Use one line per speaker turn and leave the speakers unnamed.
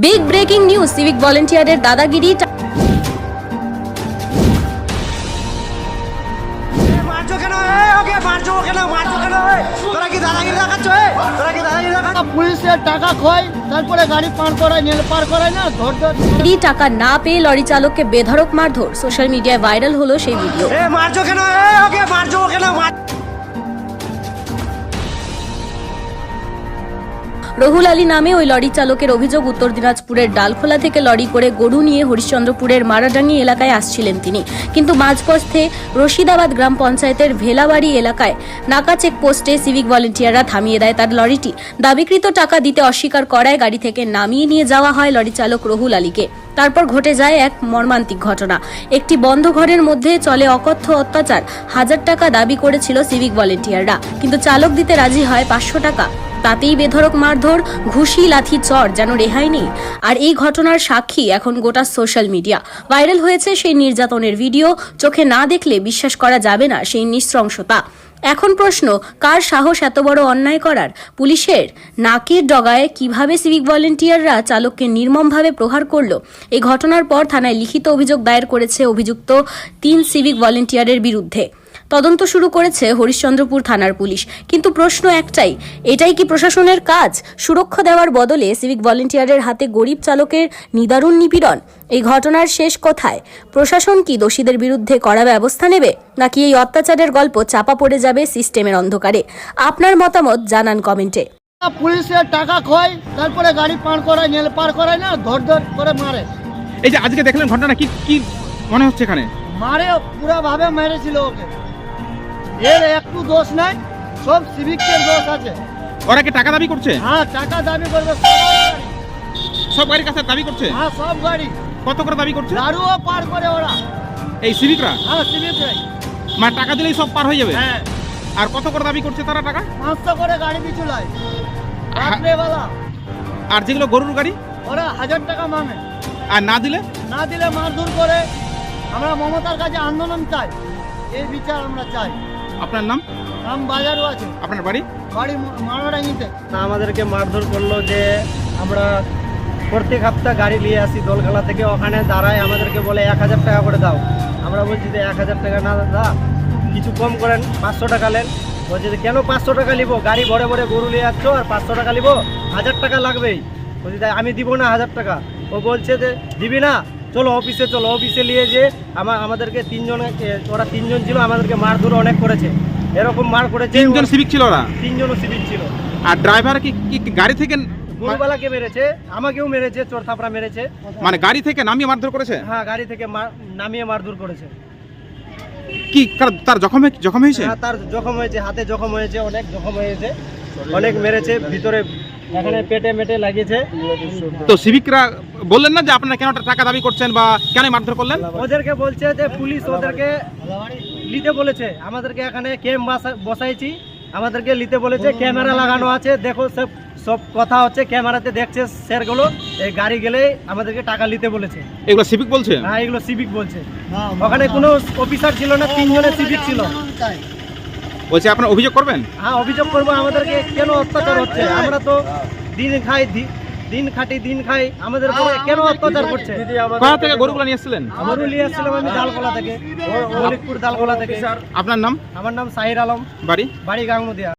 Big breaking news, civic ভলেন্টিয়ারের দাদাগিরি।
পুলিশের টাকা খয়, তারপরে গাড়ি পার করায়, নেল পার করায় না, ধর ধর
টাকা না পেয়ে লরি চালককে বেধড়ক মারধর। সোশ্যাল মিডিয়ায় ভাইরাল হলো সেই ভিডিও। রহুল আলী নামে ওই লরি চালকের অভিযোগ, উত্তর দিনাজপুরের ডালখোলা থেকে লরি করে গরু নিয়ে হরিশ্চন্দ্রপুরের মারাডাঙ্গি এলাকায় আসছিলেন তিনি, কিন্তু মাঝপথে রশিদাবাদ গ্রাম পঞ্চায়েতের ভেলাবাড়ি এলাকায় নাকা চেকপোস্টে সিভিক ভলেন্টিয়াররা থামিয়ে দেয় তার লরিটি। দাবিকৃত টাকা দিতে অস্বীকার করায় গাড়ি থেকে নামিয়ে নিয়ে যাওয়া হয় লরি চালক রহুল আলীকে। তারপর ঘটে যায় এক মর্মান্তিক ঘটনা। একটি বন্ধ ঘরের মধ্যে চলে অকথ্য অত্যাচার। 1000 টাকা দাবি করেছিল সিভিক ভলেন্টিয়াররা, কিন্তু চালক দিতে রাজি হয় 500 টাকা। তাতেই বেধড়ক মারধর, ঘুষি, লাথি, চড়, যেন রেহাই নেই। আর এই ঘটনার সাক্ষী এখন গোটা সোশ্যাল মিডিয়া। ভাইরাল হয়েছে সেই নির্যাতনের ভিডিও। চোখে না দেখলে বিশ্বাস করা যাবে না সেই নৃশংসতা। এখন প্রশ্ন, কার সাহস এত বড় অন্যায় করার? পুলিশের নাকের ডগায় কিভাবে সিভিক ভলেন্টিয়াররা চালককে নির্মমভাবে প্রহার করলো? এই ঘটনার পর থানায় লিখিত অভিযোগ দায়ের করেছে অভিযুক্ত 3 সিভিক ভলেন্টিয়ারের বিরুদ্ধে। তদন্ত শুরু করেছে হরিশ্চন্দ্রপুর থানার পুলিশ। কিন্তু প্রশ্ন একটাই, এটাই কি প্রশাসনের কাজ? সুরক্ষা দেওয়ার বদলে সিভিক ভলেন্টিয়ারের হাতে গরিব চালকের নিদারুণ নিপীড়ন। এই ঘটনার শেষ কোথায়? প্রশাসন কি দোষীদের বিরুদ্ধে কড়া ব্যবস্থা নেবে, নাকি এই অত্যাচারের গল্প চাপা পড়ে যাবে সিস্টেমের অন্ধকারে? আপনার মতামত জানান কমেন্টে।
পুলিশের টাকা খয়, তারপরে গাড়ি পার করায়, নেল পার করায় না, ধর ধর করে মারে।
এই যে আজকে দেখলেন ঘটনা, কি কি মনে হচ্ছে? এখানে
মারে পুরো ভাবে মেরেছিল ওকে। এর একটু দোষ নাই, সব সিভিকের দোষ আছে।
ওরা কি টাকা দাবি করছে?
হ্যাঁ, টাকা দাবি করবে
সব গাড়ির কাছে দাবি করছে?
হ্যাঁ, সব গাড়ি।
কত করে দাবি করছে?
দারুও পার করে ওরা।
এই সিভিকরা?
হ্যাঁ, সিভিকরাই।
মানে টাকা দিলেই সব পার হয়ে যাবে?
হ্যাঁ।
আর কত করে দাবি করছে তারা টাকা?
500 করে গাড়ি পিছু লাই রাত্রেবেলা।
আর যেগুলো গরুর গাড়ি,
ওরা 1000 টাকা মাঙে।
আর না দিলে
মারধর করে। আমরা মমতার কাছে আন্দোলন চাই, এই বিচার আমরা চাই।
আপনার নাম?
নাম বাজারও আছে।
আপনার বাড়ি?
বাড়ি মারাডাঙ্গিতে।
আমাদেরকে মারধর করলো যে আমরা প্রত্যেক সপ্তাহ গাড়ি নিয়ে আসি দোলখালা থেকে, ওখানে দাঁড়ায় আমাদেরকে বলে 1000 টাকা করে দাও। আমরা বলছি যে 1000 টাকা না দাদা, কিছু কম করেন, 500 টাকা নেন। বলছে যে কেন 500 টাকা নিবো? গাড়ি ভরে ভরে গরু নিয়ে যাচ্ছ আর 500 টাকা নিবো? 1000 টাকা লাগবেই। বলছি তাই আমি দিব না 1000 টাকা। ও বলছে যে দিবি না, চলো অফিসে চলো। অফিসে নিয়ে যে আমাদেরকে ওরা 3 জন ছিল, আমাদেরকে মারধর অনেক করেছে। এরকম মার করেছে।
3 জন সিভিক ছিল? ওরা 3
জনও সিভিক ছিল।
আর ড্রাইভার কি গাড়ি থেকে?
গরুবালাকে মেরেছে, আমাকেও মেরেছে, চোর থাপড়া মেরেছে।
মানে গাড়ি থেকে নামিয়ে মারধর করেছে?
হ্যাঁ, গাড়ি থেকে নামিয়ে মারধর করেছে।
কি তার জখম হয়েছে?
হ্যাঁ, তার জখম হয়েছে, হাতে জখম হয়েছে, অনেক জখম হয়েছে, অনেক মেরেছে ভিতরে, এখানে পেটে মেটে লাগিয়েছে।
তো সিভিকরা বললেন না যে আপনারা কেন টাকা দাবি করছেন বা কেন মারধর করলেন?
ওদেরকে বলছে যে পুলিশ ওদেরকে নিতে বলেছে। আমাদেরকে এখানে ক্যাম্প বসাইছি, আমাদেরকে নিতে বলেছে। ক্যামেরা লাগানো আছে, দেখো সব কথা হচ্ছে, ক্যামেরাতে দেখছে স্যারগুলো। এই গাড়ি গেলে আমাদেরকে টাকা নিতে বলেছে।
এগুলো সিভিক বলছে?
হ্যাঁ, এগুলো সিভিক বলছে। ওখানে কোনো অফিসার ছিল না, 3 জনের সিভিক ছিল।
বলছে আপনারা অভিযোগ করবেন?
হ্যাঁ, অভিযোগ করবো। আমাদেরকে কেন অত্যাচার হচ্ছে? আমরা তো দিন খাই, দিন খাটি, দিন খাই, আমাদের কেন অত্যাচার করছে?
কোথা থেকে গরুগুলো নিয়ে এসেছিলেন?
গরু নিয়ে আসছিলাম আমি ডালকোলা থেকে, মলিকপুর ডালকোলা থেকে।
আপনার নাম?
আমার নাম সাহির আলম।
বাড়ি?
বাড়ি গাঙ্গুদিয়া।